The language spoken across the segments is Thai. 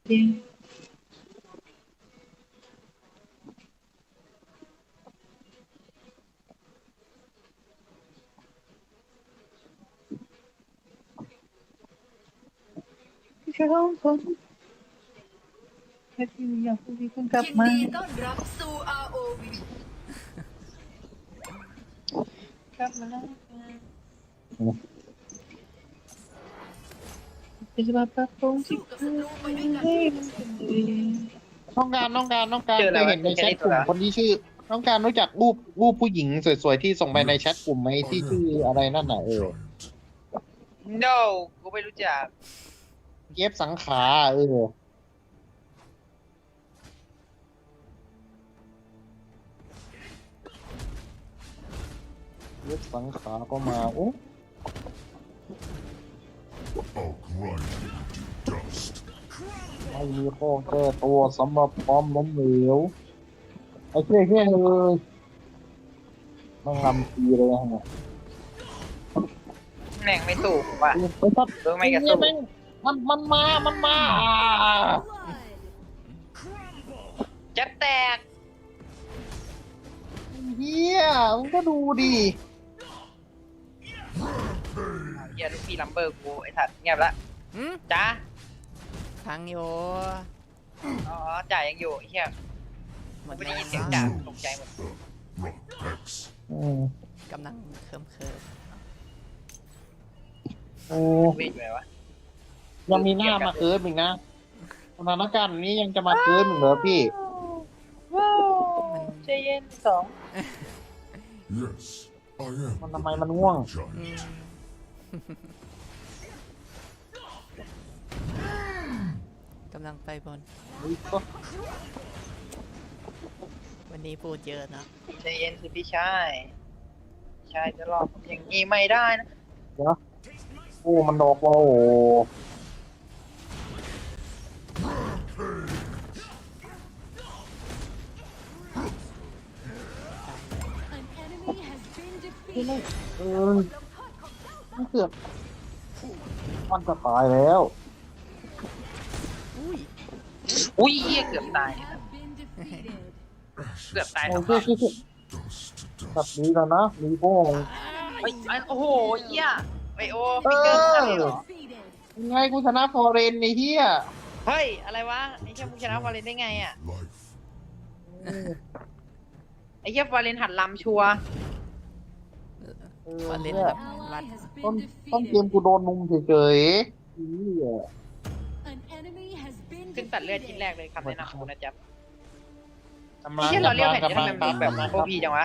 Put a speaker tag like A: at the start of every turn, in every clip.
A: จริงพี่ร้องคนแค่ที่อยากพูดที่คุณกลับ
B: ยิน
A: มา
B: ดีต้อนรับสู่ ROV
A: กลับมาแล้วเป็นสภาพปรับปรุงที่
B: สู้กับศัตรูไปด้วยกัน
A: ให้มันเป็นดี
C: ต้องการ
D: เจออะไร
C: เคยว
D: วะ
C: เห็นในแชทกลุ่ม
D: เจอแค่นี้ตัวละ
C: คนที่ชื่อต้องการรู้จักรูปผู้หญิงสวยๆที่ส่งไปในแชทกลุ่มไหมที่ชื่ออะไรนั่นน่ะ
D: no กูไม่รู้จัก
C: เย็บสังขาเย็บสังขาก็มาโอ้
E: I'll grind you to dust.
C: ไม่มีข้อแก้ตัวสำหรับความล้มเหลวไอ้เท่เลยต้องลำทีเลยฮะ
D: แม่งไม่สู้ผมว่ะ
C: ไปตัด
D: เออไม่กระสู้
C: มันมา
D: จะแตก
C: เฮียมึงก็ดูดิ
D: เฮียลูกพี่ลัมเบอร์กูไอ้สัตว์เงียบละ
F: หืม
D: จ้า
F: พังอยู่
D: อ๋อจ่ายยังอยู่ไอ้เฮีย
F: หม
D: กู
F: ด
D: ไม่
F: แล้
D: ได้
F: ว
D: ยินเสียงจ่าตกใจหมด
E: Rock X.
F: กำลังเคิม
C: โอ้
D: เวทอยู่ไหนวะ
C: ยังมีหน้ามาเคิร์ฟอีกนะสถานการณ์นี้ยังจะมาเคิร์ฟอีกเหรอพี่
F: มัน
A: ใจเย็นสอง
E: Yes, I am.
C: มันทำไมมันง่วง
E: Giant.
F: อืมกำลังไปบน วันนี้พูดเยอะเนอะ
D: ใจเย็นสิพี่ชายชายจะรอผมอย่างนี้ไม่ได้นะ
C: โอ้มันดอกโอ้โห เออมันเกือบมันจะตายแล้ว
F: อุ้ย
D: อุ้ยเฮียเกือบตายเกือบตาย
C: โอ้
D: ทั้ง
C: เชื่อ
E: Dust to
C: แบบ
E: dust.
C: นี้แล้วนะมีโป้ง
D: เฮ้ยโอ้โหเฮียไอโอฟิกเกอร์อะไรเหรอ
C: ยังไงกูชนะฟอร์เรนในเฮีย
D: เฮ้ยอะไรวะไอ้เฮียมึงชนะวาเลนได้ไงอ่ะ
E: Life.
D: ไอ้เฮียวาเลนหัดลำชัวร์
F: มาเล่น
C: เนี่ย
F: กับวัด
C: ต้นเกมกูโดนมุมเฉยๆเฮีย
D: ขึ้นตัดเลือดชิ้นแรกเลยคำแนะนำของคุณนะจ๊บ
C: กำ
D: ไอ้
C: ลัง
D: เฮียเราเรียกแผ่น
C: กำ
D: จะ
C: ลั
D: ทำ
C: ง
D: ไมมันแบบโคพีจังวะ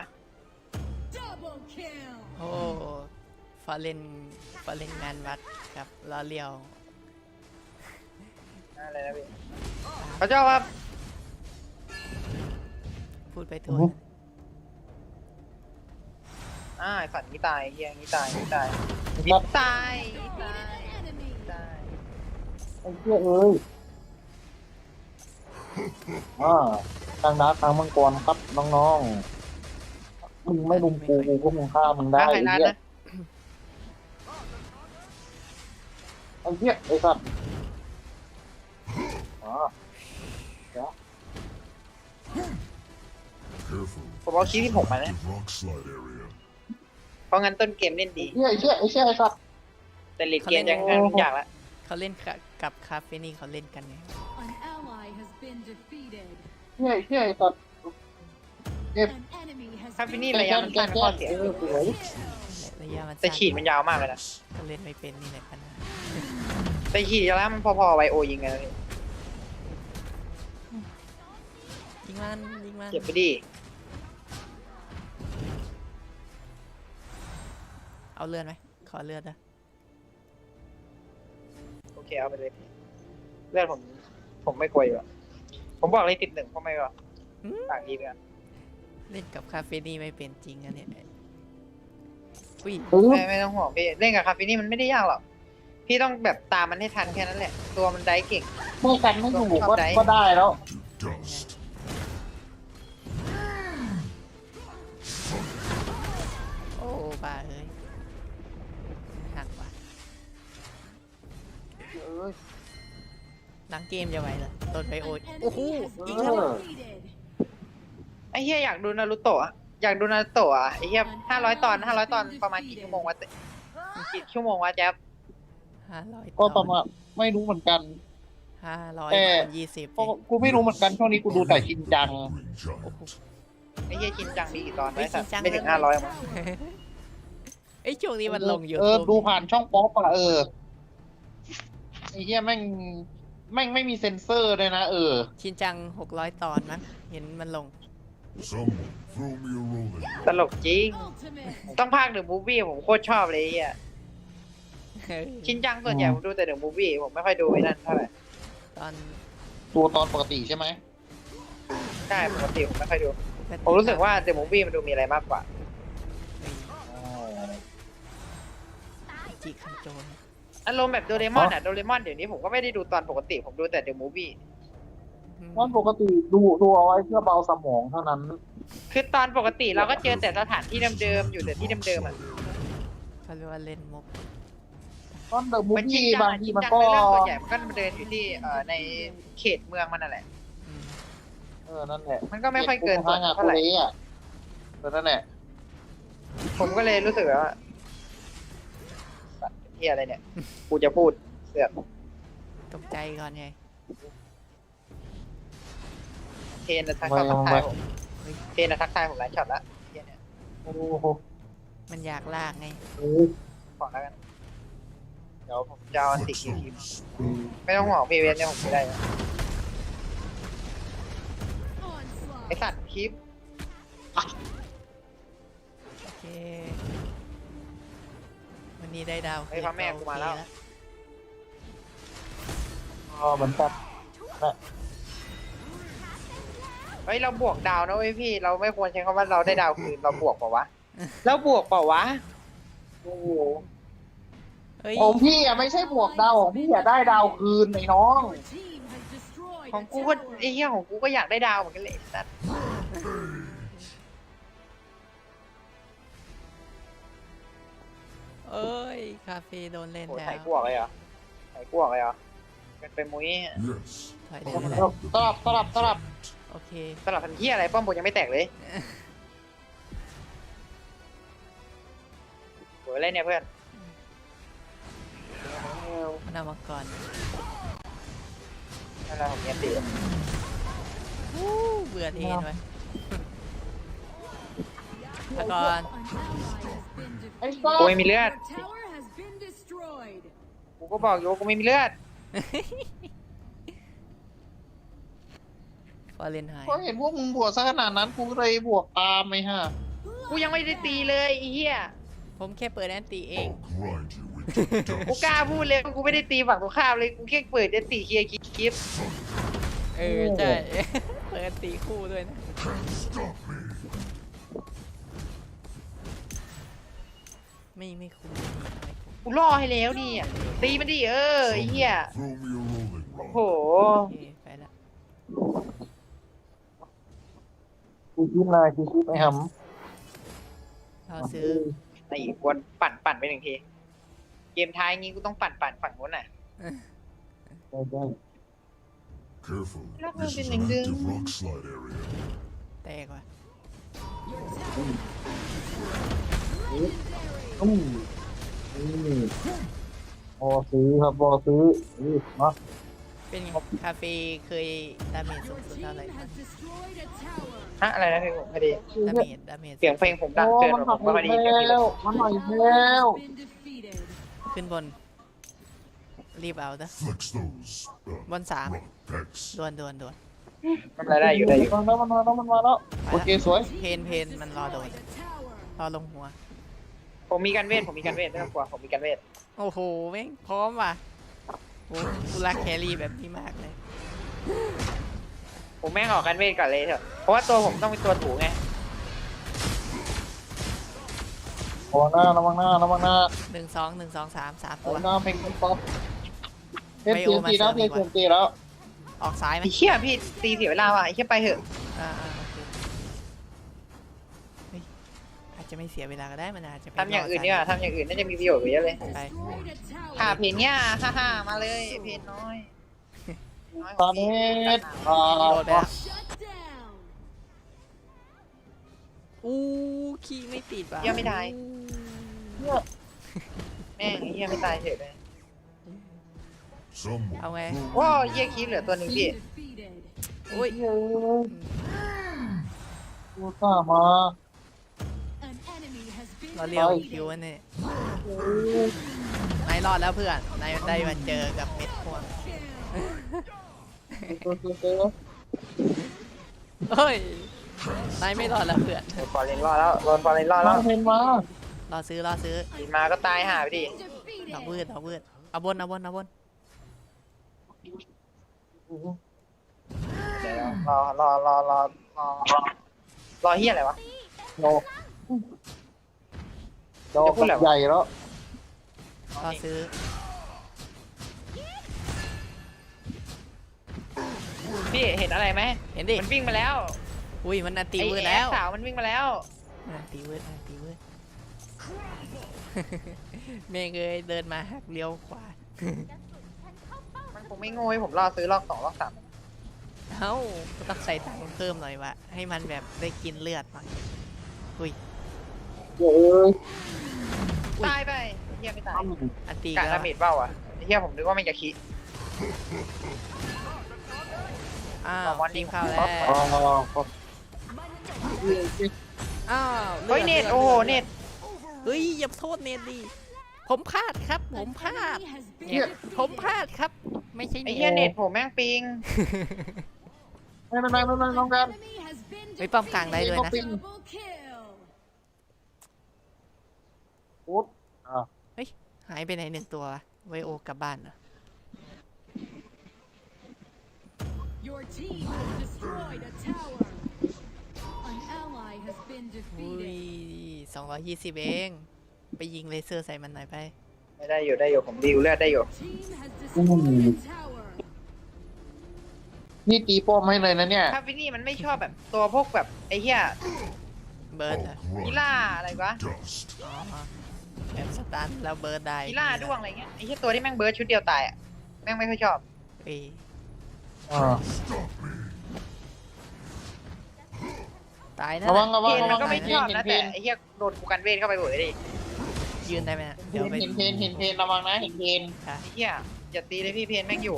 F: โอ้ฟาเล่นงานวัดครับล้อเลียว
D: อะไรนะพี่เขาเจ้าว่า
F: พูดไปทั่ว
D: ไอ้สัตว์นี้ตายเฮียนี้ตายนี้ตาย
C: ครับ
D: ตายตายตาย
C: ไอ้เหี้ยเอ้ยทางดาร์กทางมังกรครับน้องๆ มึงไม่ลุมกูก็มึงฆ่ามึงได้
D: ถ้าใคร
C: ไอ้
D: นัด
C: เหี้ย
D: นะ
C: ไอ้เหี้ยไอ้สัตว์อ๋อ
E: Careful.
D: ผมเอาคีย์ที่ผมมานะ
E: Active rock slide area.
D: เพราะงั้นต้นเกมเล่นดี
C: ไอ้เหี้ยไอ้เหี้ยไอ้สัตว์
D: แต่เลดเกมยังอยากละ
F: เขาเล่นกับคาเฟนี่เขาเล่นกันไง
C: เหี้ยไอ้เหี้ยไอ้สัตว์
D: ถ้าฟินี่ระยะมันสั้นข้อเสีย
C: สวย
F: ระยะมัน
D: แต่
F: สั้น
D: ฉีดมันยาวมากเลยนะ
F: เขาเล่นไม่เป็นนี่แหละปัญหา
D: แต่ฉีดแล้วมันพอๆไวโอยิงกันเลย
F: ยิงมันยิงมัน
D: เก็บไปดิ
F: เอาเลือดไหมขอเลือดนะ
D: โอเคเอาไปเลยเลือดผมไม่กลัวอยู่อะผมบอกเลยติดหนึ่งเพราะไม่ก็ต่างดีเลย
F: เล่นกับคาเฟนี่ไม่เป็นจริงอะเนี่ยอุ้ย
D: ไม่ต้องห่วงพี่เล่นกับคาเฟนี่มันไม่ได้ยากหรอกพี่ต้องแบบตามมันให้ทันแค่นั้นแหละ ตัวมันได้เก่ง
C: ไม่กันไม่อยู่ก็ได้แล้ว
E: To dust.
F: โอ้บ้าเอ้ยหักว่ะ
C: เอ้ย
F: หลังเกมจะไหวเหรอโดนไปโอ้ยโอ้โหอีก
C: เอ
F: แล้ว
C: อ
D: ไอ้เหี้ยอยากดูนารูโตะอะอยากดูนารูโตะอะไอ้เหี้ย500 ตอนประมาณกี่ชั่วโมงวะกี่ชั่วโมงวะแจ๊บ
F: 500
C: ก็ประมาณไม่รู้เหมือนกัน
F: 500
C: แต่
F: คูณ20
C: ก็กูไม่รู้เหมือนกันช่วงนี้กูดูแต่ชินจัง
E: Green giant.
D: ไอ้เหี้ยชินจังมีกี่ตอนไว้สัตว์
F: ชินจัง
D: ไม่ถึง500มั้ง
F: ไอ้ยช่วงนี้มันลงอยู่
C: ดูผ่านช่องป๊อปอะไอ้เหี้ยแม่งไม่มีเซ็นเซอร์เลยนะ
F: ชินจัง600 ตอนมั้งเห็นมันลง
E: Someone throw me a rolling.
D: ตลกจริง ต้องภาคเดอะมูฟวี่ผมโคตรชอบเลยไอ้เหี้ยชินจังส่วนใหญ่ผมดูแต่เดอะมูฟวี่ผมไม่ค่อยดูไอ้นั่นเท่าไหร่
F: ตอน
C: ตัวตอนปกติใช่ไหม
D: ใช่ปกติผมไม่ค่อยดู ผมรู้สึกว่าเดอะมูฟวี่มันดูมีอะไรมากกว่า
F: จิคันโจน
D: อารมณ์แบบโดเรมอนอะโดเรมอนเดี๋ยวนี้ผมก็ไม่ได้ดูตอนปกติผมดูแต่เดอะมูฟวี่
C: ตอนปกติดูเอาไว้เพื่อเบาสมองเท่านั้น
D: คือตอนปกติเราก็เจอแต่สถานที่เดิมๆอยู่แต่ที่เดิมๆอะ
F: เขาเรียกว่าเล่นมุก
C: ตอนเดอะมูฟ
D: มันชิน
C: วี่
D: จัง
C: บาง
D: อะ
C: ที
D: ชิน
C: มัน
D: จัง
C: ก็
D: ในเรื่องส่วนใหญ่มันก็เดินอยู่ที่ในเขตเมืองมันนั่นแหละ
F: อืม
C: นั่นแหละ
D: มันก็ไม่ค่อยเกิน
C: ทางอะ
D: เท่าไหร่
C: อ่ะนั่นแหละ
D: ผมก็เลยรู้สึกว่าเฮียอะไรเนี่ยกูจะพูดเสือก
F: ตกใจก่อนไง
D: เทนทักทายผมเทนทักทายผมหลายช็อตละเฮียเนี่ย
C: โอ้โห
F: มันอยากลากไง
D: ขอแล้วกันเดี๋ยวผมจะเอาอันติคิวคิมไม่ต้องห่วงพีเวนเนี่ยผมไม่ได้นะไอสัตว์คลิป
F: โอเค วันนี้ได้ดาว
D: ไอ้พ่อแม่กูมาแล้ว
C: เหมือนกัน
D: เฮ้ยเราบวกดาวนะเว้ยพี่เราไม่ควรใช้คำว่าเราได้ดาวคืนเราบวกเปล่าวะเราบวกเปล่าวะโอ้โห
F: เฮ้ย
C: ของพี่อะไม่ใช่บวกดาวของพี่อะได้ดาวคืนไอ้น้อง
D: ของกูก็ไอ้เหี้ยของกูก็อยากได้ดาวเหมือนกันเลยไอ้สัตว์
F: เอ้ย คาเฟ่โดนเล่น
D: โอ้
F: แล้
D: ใส่
F: ว
D: กวกเลยเหรอใส่กวกเลยเหรอเป็นมุ้ย
E: Yes.
F: ถอยได้
E: I
F: ไหม
E: am
C: สลับ
F: โอเค
D: สลับพันเหี้ยอะไรป้อมบนยังไม่แตกเลยโหอะไรเนี่ยเพื่อน
F: มันเอามาก่อน
D: นั่นแหละผมเนียนตี
F: วู้เบื่อเทนไว้แล้วก่อน
C: ไอ้ก้อ
D: กูไม่มีเลือดกูก็บอกอยู่ว่ากูไม่มีเลือด
F: ฟอร์เรนไฮน์
C: ก็เห็นพวกมึงบวกซะขนาดนั้นกูเลยบวกตามไอ้ห่า
D: กูยังไม่ได้ตีเลยไอ้เหี้ย
F: ผมแค่เปิดแอนตี้เอง
E: I'll grind you into
D: กู
E: dust.
D: กล้าพูดเลยว่ากูไม่ได้ตีฝั่งตรงข้ามเลยกูแค่เปิดจะตีเคลียร์คลิป
F: เออใช่ เปิดแอนตี้คู่ด้วยนะ
E: Can't stop me.
F: ไม่คุ้ม
D: กูล่อให้แล้วนี่อ่ะตีมันดิไอ้เหี้ย
E: Throw me a rolling
D: โอ้โห
E: rock.
F: โอเคไปละ
C: กูคิดนายกูคิดไอ้ห
F: เรา
C: ำ
F: ซื้อ
D: ไอ้กวนปั่นไปหนึ่งทีเกมท้ายงี้กูต้องปั่นฝั่งนู้นน่ะ
C: ได้
E: Careful.
D: Look,
E: This is
D: ding,
E: an
D: ding.
E: active rock slide area.
F: แตกว่ะ
C: พอซื้อครับพอซื้อเนาะ
F: เป็นไงคาเฟ่เคยดาเมจสูงสุดเท่าไหร่ครับ
D: ฮะอะไรนะเพลงผมพอดี
F: ดาเมจ
D: เสียงเพลงผมดังเกินผมก็พอดีเสียงพี่เลย
C: มันหน่อยแล้ว
F: ขึ้นบน รีบเอาเถอะ
E: Flex those
F: One side.
E: rock pecs.
F: ดวน
D: ทำอะไรได้อยู่ได้อยู่
C: มันมาแล้วโอเคสวย
F: เพนมันรอโดน รอลงหัว
D: ผมมีการเวทไม่ต้องกลัวผมมีการเวท
F: โอ้โหแม่งพร้อมว่ะโอ้กูรักแครี่แบบนี้มากเลย
D: ผมแม่งออกการเวทก่อนเลยเถอะเพราะว่าตัวผมต้องเป็นตัวถูไง
C: ระวังหน้า
F: 1 2 3 3
C: ระ
F: ตัว
C: วังหน้าเพลงป๊อปเพลงเสียงตีแล้วเพลงเสียงตีแล้ว
F: ออกซ้ายไหม
D: ไอ้เหี้ยพี่ตีเสียเวลาว่ะไอ้เหี้ยไปเถอะ
F: โอเคเฮ้ยอาจจะไม่เสียเวลาก็ได้มันอาจจะไป
D: ทำอย่างอื่นดีกว่าทำอย่างอื่นน่าจะมีประโยชน์กว่าเยอะเลย
E: I'll
F: ไป
E: grind you.
D: ค่าเพลงเนี้ยฮ่ามาเลยเพลงน้อยน้อย
C: ตาเน็ต
F: โดดไปแล้ว
B: Shut down.
F: อู้ขี้ไม่ติดว่ะ
D: เฮียไม่ตายแม่งไอ้เฮียไม่ตายเฉยเลย
E: Someone
F: เอาไง
D: ว้าวเฮียคีเหลือตัวหนึ่งพี่
B: Defeated.
F: อุ้ย
C: เฮ้ยกูซ่ามา
B: An enemy has been
F: เราเรียว
B: defeated.
F: คิวอันนี้นายรอดแล้วเพื่อนนายได้มาเจอกับเม็ดพวงเฮ้ยนายไม่รอดแล้วเพื่อน
D: ฟอร์เรนรอดแล้วโดนฟอร์เรนรอด
C: ลั
D: แล้ว
C: งเพนมาร
F: อซื้อ
D: กินมาก็ตายหาไปดิ
F: ดอกวื
B: Defeated.
F: ดเอาบน
D: เดี๋ยวรอเฮียอะไรวะ
C: โดโดกับใหญ่แล้ว
F: รอซื้อ
D: พี่เห็นอะไรไหม
F: เห็นดิ
D: มันวิ่งมาแล้ว
F: อุ้ยมันอันตี
D: ไอ้
F: วืด
D: แอ
F: แล้ว
D: สสาวมันวิ่งมาแล้ว
F: มันอันตีวืดเมย์เคยเดินมาหักเลี้ยวขวา
D: มันคงไม่โง่ให้ผมรอซื้อรอบ2รอบ3
F: เอ้าก็ต้องใส่ตังค์เพิ่มหน่อยวะให้มันแบบได้กินเลือดหน่อยอุ้ย
C: เฮ้ย
D: ตายไปเฮียไม่ตาย
F: อันตี
D: กะ
F: แล้ว
D: ดาเมจเบ้าอ่ะเฮียผมนึกว่ามันจะคิด
F: อ้าว
D: มอน
F: ที
D: ดิ้
F: ม
D: ง
F: เข้าแล้ว
C: อ๋อ
F: อ้าว
D: เฮ้ยเน็ตโอ้โหเน็ต
F: เฮ้ยอย่าโทษเน็ตดิผมพลาดครับ ผมพลาด
B: Enemy has been
F: เนี่ย
B: defeated.
F: ผมพลาดครับ ไม่ใช่
D: ไอ้
F: เน็
D: เฮีย
F: ต
D: เน็ตผมแม่งปิง
C: ไม่เป็นไรน้องกัน
B: Enemy has been
F: ไม่ป้อมกลางได้ด้วยนะ
B: defeated. Double kill.
C: ปุ๊บ
F: หายไปไหนหนึ่งตัววะไวโอกลับบ้านเหรอ
B: Your team has destroyed a tower. An ally has been
F: อุ้ย
B: defeated.
F: 220เอง ไปยิงเลเซอร์ใส่มันหน่อยไป
D: ไม่ได้อยู่ผมดิวเลือดได้อยู่
B: Team has destroyed a tower.
C: นี่ตีป้อมให้เลยนะเนี่ย
D: ถ้าวินนี่มันไม่ชอบแบบตัวพวกแบบไอ้เฮีย
F: เบิร์ดเหรอ
D: กีล่าอะไรวะ
E: dust.
F: อ๋อแบบสตันแล้วเบิร์ดได้
D: กีล่าด้วงอะไรเงี้ยไอ้เฮียตัวที่แม่งเบิร์ดชุดเดียวตายอ่ะแม่งไม่ค่อยชอบ
F: เอ้ย
C: อ่า
E: Stop me.
F: ตายนะ
C: ระวังระ
D: เพ
C: วัง
D: น
C: ระ
D: มั
C: วัน ง
D: ก็ไม่ชอบนะ
C: เพ
D: แต่
C: น
D: ไอ้เฮียโดนกูกันเวทเข้าไปเบื่อดิ
F: ยืนได้ไหมนะเดี๋ยวไป
C: เห็นเพนระวังนะเห็นเพน
D: ไอ้เฮียอย่าตีเลยพี่เพนแม่งอยู่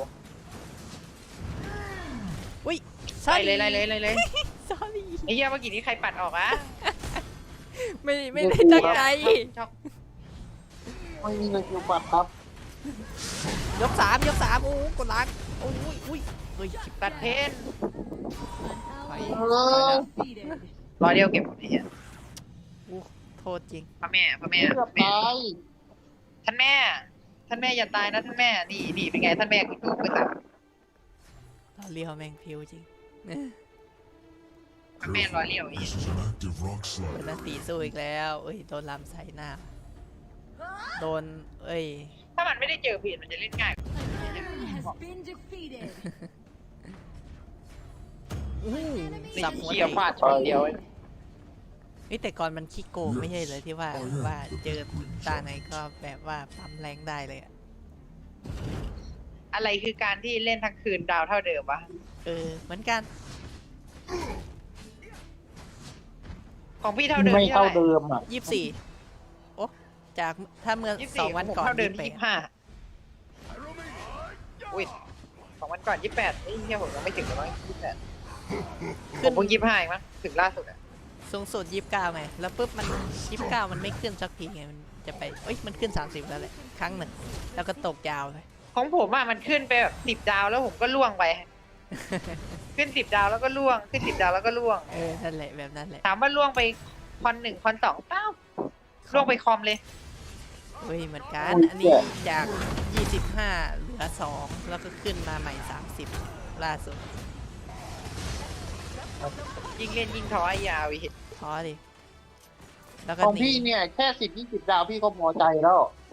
F: อุ้ย
D: ไล่เลยไล่เลยไล่เลย
F: sorry
D: ไอ้เฮียเมื่อกี้นี้ใครปัดออกอะ
F: ไม่ได้ตั้งใจ
D: ชอบ
C: ไม่มีเลยคิวปัดครับ
F: ยกสามโอ้โหกดล้างโอ้ยเฮ้ย
D: ตัดเพน
B: An ally
C: เออ
B: defeated.
D: รอเดียวเก็บไอ้เฮีย
F: อู้โทษจริง
D: พระแม่
C: เกือบตาย
D: ท่านแม่อย่าตายนะท่านแม่นี่เป็นไงท่านแม่คุณดูมือสั่น
F: เราเลี้ยวแมงพิวจริง
D: ท่านแม่รอเลี้ยวอี
E: This is an active rock
F: เปิด
E: slide.
F: นาตีสู้อีกแล้วเอ้ยโดนลำใส่หน้า โดนเอ้ย
D: ถ้ามันไม่ได้เจอผิดมันจะเล่นง่าย
B: An enemy has been defeated.
F: สับหัว
D: เขี่ย
F: เตะ
D: ฟาดช็อตเดียว
F: เฮ้ยแต่ก่อนมันขี้โกงไม่ใช่เลยที่ว่าเจอตาไหนก็แบบว่าปั๊มแรงได้เลยอะ
D: อะไรคือการที่เล่นทั้งคืนดาวเท่าเดิมวะ
F: เหมือนกัน
D: ของพี่เท่าเดิม
C: ไม่
D: ที่
C: เท่า
D: เท่าไหร่
C: เดิมอ่ะ
F: โอ้จากถ้าเมื่อ
D: 24
F: 2 วันก่อน
D: ผมเท่าเดิม
F: 28
D: 25อุ้ย2 วันก่อน28ไอ้เหี้ยผมยังไม่ถึงเลยมั้ง28ผ
F: ขึ้
D: ม
F: น
D: เพิ่ง25เองมั้งถึงล่าสุดอะ
F: สูงสุด29ไงแล้วปุ๊บมัน29มันไม่ขึ้นสักทีไงมันจะไปเอ้ยมันขึ้น30แล้วแหละครั้งหนึ่งแล้วก็ตกยาวเลย
D: ของผมอะมันขึ้นไปแบบ10 ดาวแล้วผมก็ล่วงไป ขึ้น10 ดาวแล้วก็ล่วงขึ้น10 ดาวแล้วก็ล่วง
F: นั่นแหละแบบนั้นแหละ
D: ถามว่าล่วงไปคอน1คอน2เปล่าล่วงไปคอมเลย
F: เฮ้ยเหมือนกันอันนี้จาก 25 เหลือ 2 แล้วก็ขึ้นมาใหม่ 30 ล่าสุด
D: ยิงเล่นยิงท้อยาวอีก
F: ท้อดิแล้วก็
C: ของ
F: หนี
C: พี่เนี่ยแค่10-20 ดาวพี่ก็พอใจแล้ว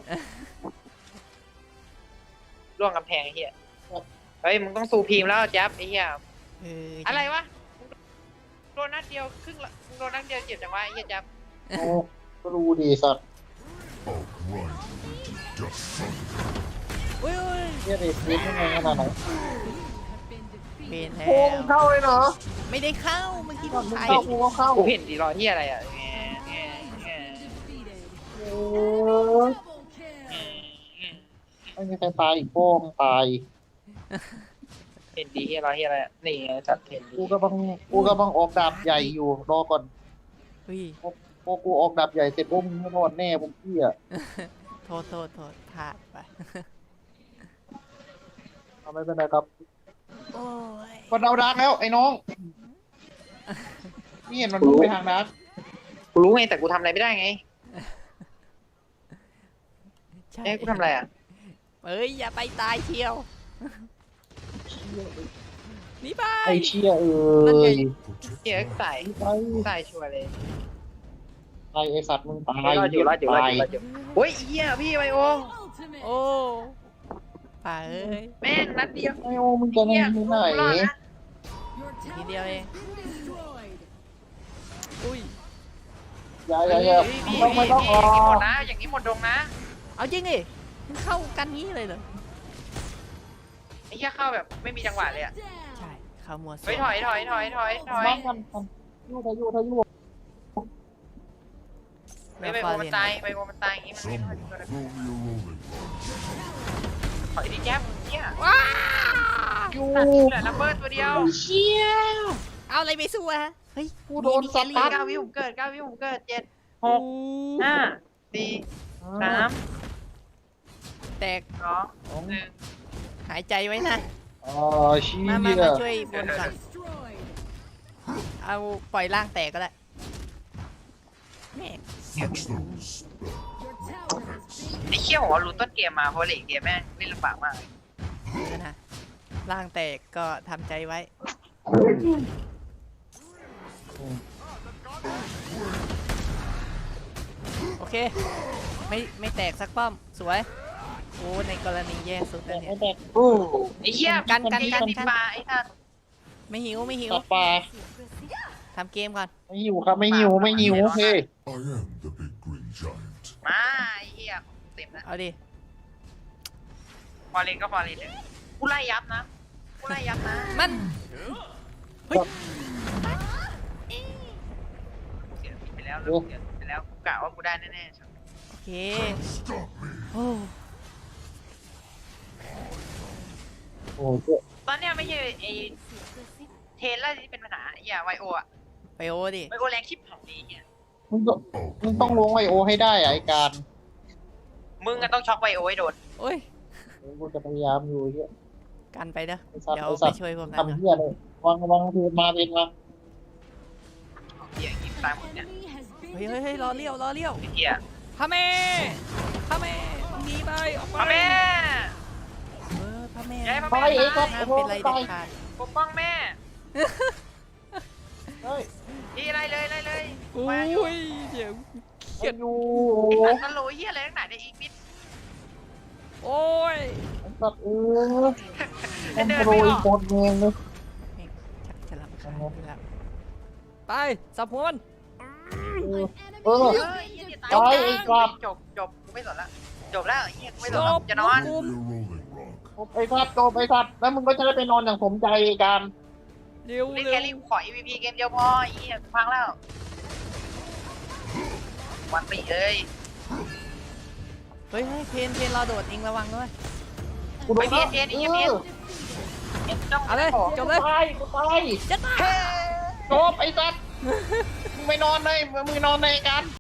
D: ล่วงกำแพงไอ้เหี้ยเฮ้ยมึงต้องสูพีมแล้วแจ๊บไอ้เหี้ย อะไรวะโดนนัดเดียวครึ่งละโดนนัดเดียวเจ็บจังวะไอ้เหี้ยแจ๊บ
C: โอ้ก็รู้ดีสัตว์
E: I'll grind you into dust.
F: อุ้ย
C: เนี่ยเด็กเล่นยังไงขนาดไหน
F: เป็นแล้
C: โค้ง
F: ว
C: เข้าเลยเหรอ
F: ไม่ได้เข้าเมื่อกี้
C: ก่อนมึง
F: ถ่าย
C: เข้ากูก็เข้า
D: กูเห็นดีรอที่อะไรอ่ะ
C: โอ้ไม่มีใครตายอีกโป้งตาย
D: เห็นดีที่รอที่อะไรอ่ะนี่ไงจัดเห็นดี
C: กูกำลังออกดาบใหญ่อยู่รอก่อน
F: อุ้ย
C: พอกูออกดาบใหญ่เสร็จปุ๊บมึงไม่รอดแน่ผมเพี่ย
F: โทษพลาดไป
C: ทำไมเป็นไรครับ
F: โอ้ย
C: มันเอาดาร์กแล้วไอ้น้องนี่เห็นมันพุ่งไปทางดาร์ก
D: กูรู้ไงแต่กูทำอะไรไม่ได้ไง
F: ใช่
D: เอ้ยกูทำอะไรอ่ะ
F: เอ้ยอย่าไปตายเชียวหนี่ไป
C: ไอ้เชี่ยเอ้
F: นั่นไง
C: ย
D: เหี้ยใส่
C: ไป
D: ใส่ชัวร์เลย
C: ไอ้สัตว์มึงตาย
D: รอดอยู่รอดอยู่รอด
C: ตาย
D: อยู่รอดอยู่โอ้ยเหี้ยพี่ไบโอ
F: โอ้ป่าเอ้ย
D: แม่งนัดเดียว
C: ไอ้โอ้มึงจะนั่งที่ไหน
B: Your tower
F: Video
B: has
F: eh.
B: been destroyed.
F: อุ้ย
C: อย่า
D: พี่
C: ไม่ต้องออ
D: หม
C: ก
D: ดนะ อย่างนี้หมดดงนะ
F: เอาจริงดิมันเข้ากันงี้เลยเหรอ
D: ไอ้เหี้ยเข้าแบบไม่มีจังหวะเลยอ่ะ
F: ใช่เข้ามัว
D: เฮ้ยถอย
C: บ้างกันยูทายู
D: ไม่ไบโอมันตายไบโอมันตายอย่างงี้มันไม่
E: Someone
D: ถอย
E: throw me a rolling rock.
D: ถอยดิแจ๊บเนี่ย
F: ว้า
C: ยู
D: เหลือลัมเบอร์ตัวเดียว
C: เชี่ย
F: เอาอะไรไปสู้อะเฮ้ย
C: กูโดนสตาร์ท
D: 9 วิผมเกิด9 วิผมเกิด7
F: โอ้
D: 6 5 4 3
F: แตก
D: 2 1
F: หายใจไว้นะ
C: อ๋อเชี่
F: มาย ช่วยบนก่อน
B: Destroyed.
F: เอาปล่อยร่างแตกก็ได้แม่ง
E: Fetch those.
B: Your tower has been
D: ไอ้เชี่ยผมว่ารู้ต้นเกมมาเพราะเลนเกมแม่งเล่นลำบากมากเลย
F: เดี๋ยวนะร่างแตกก็ทำใจไว้ โอเค ไม่แตกสักป้อม สวย โอ้ในกรณีแย่สุดแล้วเนี่ย
C: แต่
D: ไอ้เชี่ย
F: กัน
D: ติดปลาไอ้ท่าน
F: ไม่หิว
C: ตัดปลา
F: ทำเกมก่อน
C: ไม่หิวครับไม่หิวเฮ้ย
E: I am the big green giant.
D: มาไอ้เหี้ยเต็มนะ
F: เอาดิ
D: ฟอร์เรนก็ฟอร์เรนเลยกูไล่ยับนะ
F: มัน
D: เสียไปแล้วเสียไปแล้วกูกะว่ากูได้แน่ๆ
F: โอเค
E: Stop me.
F: โอ้
C: โอ้เจ้า
D: ตอนเนี้ยไม่ใช่ไอ้เทรนแล้วที่เป็นปัญหาอย่าไวโออะ
F: ไปโอดิ
D: ไวโอแรงชิบหายเลยเฮีย
C: มึงต้องลงไอโอให้ได้ไอ้การ
D: มึงก็ต้องช็อกไวโอให้โดน
F: โอ้ย
C: กูจะพยายามอยู่เฮีย
F: กันไปเด้อ
C: ไอ้สัตว์
F: เดี๋ยว
C: ไอ้สั
F: ไป
C: ตว์
F: ช่วยพวกนั้น
C: ทำเฮียเลยวางเทมาเป็นมา
D: เฮียยิงตายหมดเนี่ย
B: enemy has been
F: เฮ้ยรอเลี้ยว
D: ไอ้เฮีย
F: พระเมหนีไปออกไป
D: พ่อแม่
F: พระเม
D: ย้ายพระ
C: ไป
D: แม่
C: ไอ้สัตว์
F: ห้าม
C: โอ้
F: เป็นไร
C: ไป
F: เด็ดขาด
D: ปกป้องแม่
C: เฮ้ย
D: ดีไล่เลย
F: โอ้
D: มาอยู่
F: ยเดี๋ยว
C: เกียดอยู่
D: ไอ้สัตว์ตะโหลเฮียอะไรตั้งไหนในอีกนิด
F: โอ้ย
C: ไอ้สัตว์มันโปรยโคตรเองเลย
F: ชักจะรับคานแล้วไปสับหัวมัน
C: เออ
D: เฮ้ยเฮียตายจบกูไม่สนละจบแล้วเฮียกูไม่สนละจะนอน
E: Throw me a rolling rock.
C: ไอ้สัตว์โตไอ้สัตว์แล้วมึงก็จะได้ไปนอนอย่างสมใจการ
F: เร็ว
D: เล่น
F: เร็
D: แค
F: ว
D: รี่ขอ EVP เกมเดียวพอไอ้เฮียกูพังแล้ววันปีเอ้ย
F: เฮ้ยเพนรอโดดเองระวังด้วย
C: กูโดน
D: ไปเพี้ยนไอ้เหี้ยเพี้ยน จ้อง
F: เอาเลย
D: ของ
F: จบเลย
C: กูตาย
F: จัดมา
C: จบไอ้สัตว์มึงไปนอนเลยมึงนอนในการ